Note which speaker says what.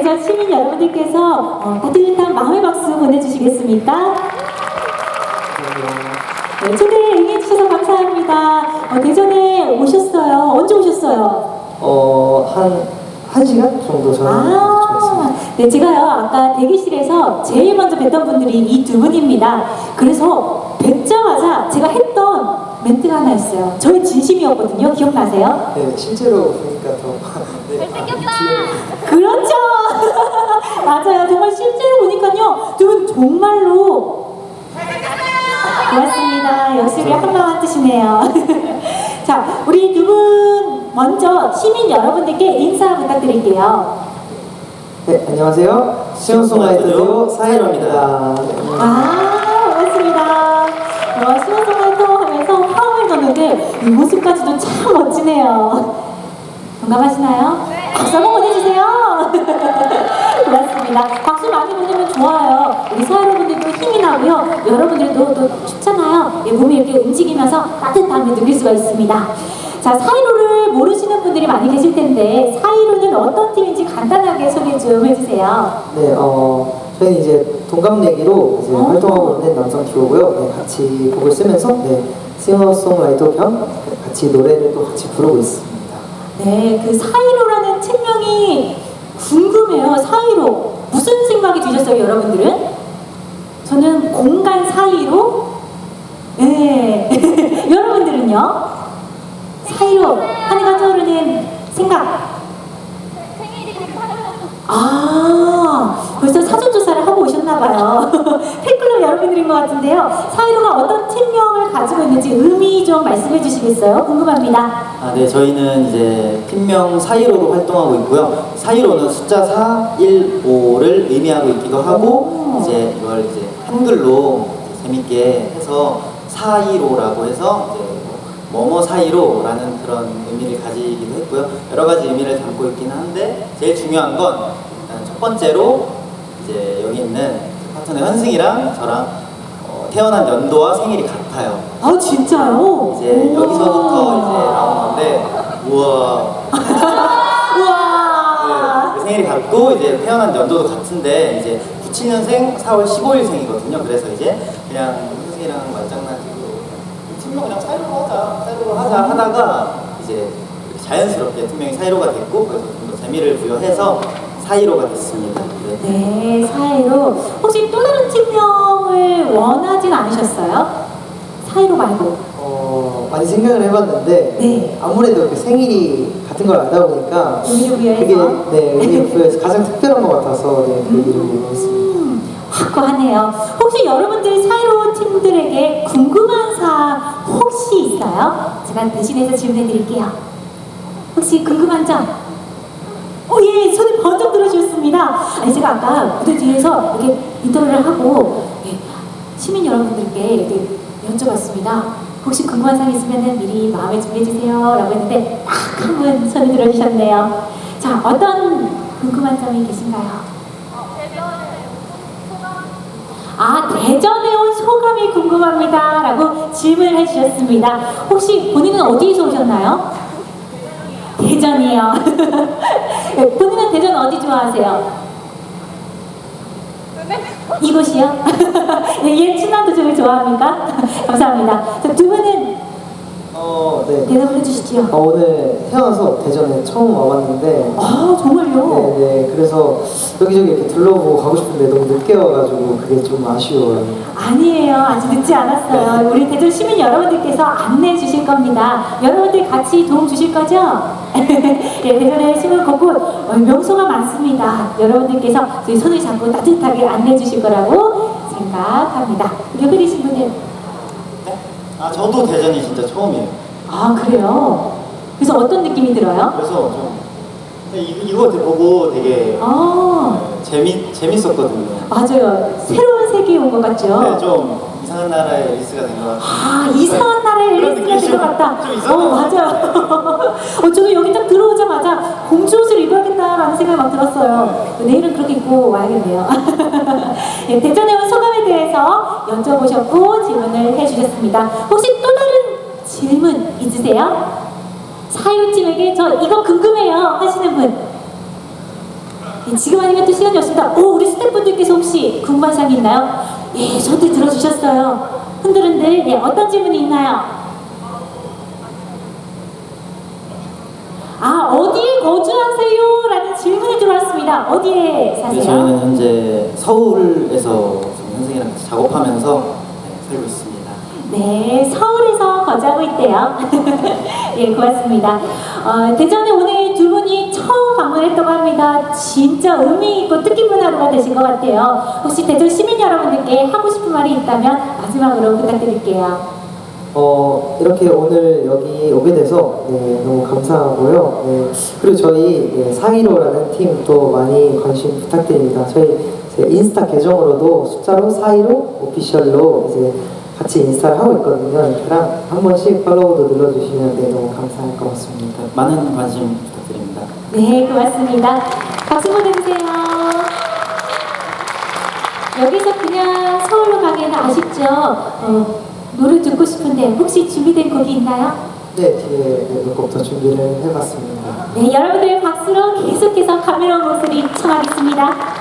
Speaker 1: 대전 시민 여러분들께서 따뜻한 마음의 박수 보내주시겠습니까? 네, 초대에 응해주셔서 감사합니다. 대전에 오셨어요. 언제 오셨어요?
Speaker 2: 한 시간 정도 전에 도착했습니다.
Speaker 1: 네, 제가요 아까 대기실에서 제일 먼저 뵀던 분들이 이 두 분입니다. 그래서 뵙자마자 제가 했던 멘트가 하나 있어요. 저의 진심이었거든요. 기억나세요?
Speaker 2: 네, 실제로 보니까 더 네,
Speaker 3: 잘생겼다!
Speaker 1: 그렇죠. 맞아요. 정말 실제로 보니까요 두 분 정말로 고맙습니다. 역시 우리 한마음 뜻이네요. 자, 우리 두 분 먼저 시민 여러분들께 인사 부탁드릴게요.
Speaker 2: 네, 안녕하세요. 싱어송라이터 듀오 사이로입니다.
Speaker 1: 반갑습니다. 싱어송라이터 하면서 화음을 넣는데 이 모습까지도 참 멋지네요. 공감하시나요? 박수 한번 보내주세요. 고맙습니다. 박수 많이 보내면 좋아요. 우리 사회여러분들도 힘이 나고요. 여러분들도 또 춥잖아요. 몸이 이렇게 움직이면서 따뜻함을 느낄 수가 있습니다. 자, 사이로를 모르시는 분들이 많이 계실 텐데 사이로는 어떤 팀인지 간단하게 소개 좀 해주세요.
Speaker 2: 네, 저희는 이제 동갑내기로 이제 활동하고 있는 남성 듀오고요. 네, 같이 곡을 쓰면서 싱어송라이터 겸 같이 노래를 또 같이 부르고 있습니다.
Speaker 1: 네, 그 사이로라는 팀명이 궁금해요. 사이로 무슨 생각이 드셨어요, 여러분들은? 저는 공간 사이로. 네, 여러분들은요? 사이로 하니가 떠오르는 생각. 벌써 사전조사를 하고 오셨나봐요. 팬클럽 여러분들인 것 같은데요. 사이로가 어떤 팀명을 가지고 있는지 의미 좀 말씀해 주시겠어요? 궁금합니다.
Speaker 4: 네, 저희는 이제 팀명 사이로로 활동하고 있고요. 사이로는 숫자 415를 의미하고 있기도 하고, 이제 이걸 이제 한글로 재밌게 해서 사이로라고 해서 이제 뭐뭐 사이로라는 그런 의미를 가지기도 했고요. 여러 가지 의미를 담고 있긴 한데 제일 중요한 건 일단 첫 번째로 이제 여기 있는 파트너 현승이랑 저랑 태어난 연도와 생일이 같아요.
Speaker 1: 아, 진짜요?
Speaker 4: 이제
Speaker 1: 우와.
Speaker 4: 여기서부터 이제 나온 건데 우와.
Speaker 1: 우와.
Speaker 4: 네, 생일이 같고 이제 태어난 연도도 같은데 이제 97년생 4월 15일생이거든요. 그래서 이제 그냥 현승이랑 말장난치고 팀명 그냥 사이로로 하자 하다가 이제 자연스럽게 팀명이 사이로가 됐고 그래서 좀 더 재미를 부여해서 사이로가 됐습니다.
Speaker 1: 네, 사이로. 혹시 또 다른 팀명을 원하진 않으셨어요? 사이로 말고.
Speaker 2: 많이 생각을 해봤는데
Speaker 1: 네.
Speaker 2: 아무래도 이렇게 생일이 같은 걸 알다 보니까
Speaker 1: 의미를
Speaker 2: 그게
Speaker 1: 부여해서.
Speaker 2: 의미를 부여해서 가장 특별한 것 같아서 그 이름을 이용했습니다.
Speaker 1: 확고하네요. 혹시 여러분들 사이로 팀들에게 궁금한 사항 혹시 있어요? 제가 대신해서 질문해 드릴게요. 혹시 궁금한 점? 예, 손을 번쩍 들어주셨습니다. 아니, 제가 아까 무대 뒤에서 이렇게 인터뷰를 하고 시민 여러분들께 이렇게 여쭤봤습니다. 혹시 궁금한 사항 있으면 미리 마음에 준비해주세요 라고 했는데 딱 한 분 손을 들어주셨네요. 자, 어떤 궁금한 점이 계신가요? 대전에 온 소감이 궁금합니다 라고 질문을 해주셨습니다. 혹시 본인은 어디에서 오셨나요? 대전이요. 본인은 대전 어디 좋아하세요? 이곳이요? 얘 충남도청을 좋아합니까? 감사합니다. 두 분은
Speaker 2: 네.
Speaker 1: 대답을 해주시죠.
Speaker 2: 오늘 태어나서 대전에 처음 와봤는데
Speaker 1: 정말요?
Speaker 2: 네, 그래서 여기저기 이렇게 둘러보고 가고 싶은데 너무 늦게 와가지고 그게 좀 아쉬워요.
Speaker 1: 아니에요. 아직 늦지 않았어요. 우리 대전 시민 여러분들께서 안내해 주실 겁니다. 여러분들 같이 도움 주실 거죠? 예, 대전에 숨은 곳곳 명소가 많습니다. 여러분들께서 저희 손을 잡고 따뜻하게 안내해 주실 거라고 생각합니다. 옆에 계신 분들.
Speaker 4: 저도 대전이 진짜 처음이에요.
Speaker 1: 그래요? 그래서 어떤 느낌이 들어요?
Speaker 4: 그래서 좀 이거 보고 되게 재밌었거든요.
Speaker 1: 맞아요. 새로운 세계에 온 것 같죠?
Speaker 4: 네, 좀 이상한 나라의 앨리스가 된 것 같아요.
Speaker 1: 이상한 나라의
Speaker 4: 그런
Speaker 1: 앨리스가 된 것 같다.
Speaker 4: 좀 있었던
Speaker 1: 맞아요. 저도 여기 딱 들어오자마자 공주 옷을 입어야겠다라는 생각이 막 들었어요. 내일은 그렇게 입고 와야겠네요. 네, 대전에 온 소감에 대해서 여쭤보셨고 질문을 해주셨습니다. 혹시 또 다른 질문 있으세요? 사유팀에게 저 이거 궁금해요 하시는 분. 네, 지금 아니면 또 시간이 없습니다. 오, 우리 스태프분들께서 혹시 궁금한 사항이 있나요? 예, 저한테 들어주셨어요. 흔들흔들. 네, 어떤 질문이 있나요? 아, 어디에 거주하세요? 라는 질문이 들어왔습니다. 어디에
Speaker 4: 네,
Speaker 1: 사세요?
Speaker 4: 저희는 현재 서울에서 지금 현승이랑 같이 작업하면서 네, 살고 있습니다.
Speaker 1: 네, 서울에서 거주하고 있대요. 예, 고맙습니다. 대전에 오늘 두 분이 처음 방문했다고 합니다. 진짜 의미 있고 뜻깊은 하루가 되신 것 같아요. 혹시 대전 시민 여러분들께 하고 싶은 말이 있다면 마지막으로 부탁드릴게요.
Speaker 2: 이렇게 오늘 여기 오게 돼서 네, 너무 감사하고요. 네, 그리고 저희 네, 사이로라는 팀도 많이 관심 부탁드립니다. 저희 이제 인스타 계정으로도 숫자로 사이로 오피셜로 이제 같이 인스타를 하고 있거든요. 그랑 한 번씩 팔로우도 눌러주시면 네, 너무 감사할 것 같습니다.
Speaker 4: 많은 관심 부탁드립니다.
Speaker 1: 네, 고맙습니다. 박수 보내주세요. 여기서 그냥 서울로 가기에는 아쉽죠? 노래 듣고 싶은데 혹시 준비된 곡이 있나요?
Speaker 2: 네, 뒤에 몇 곡 더 준비를 해봤습니다.
Speaker 1: 네, 여러분들의 박수로 계속해서 감미로운 목소리 청하겠습니다.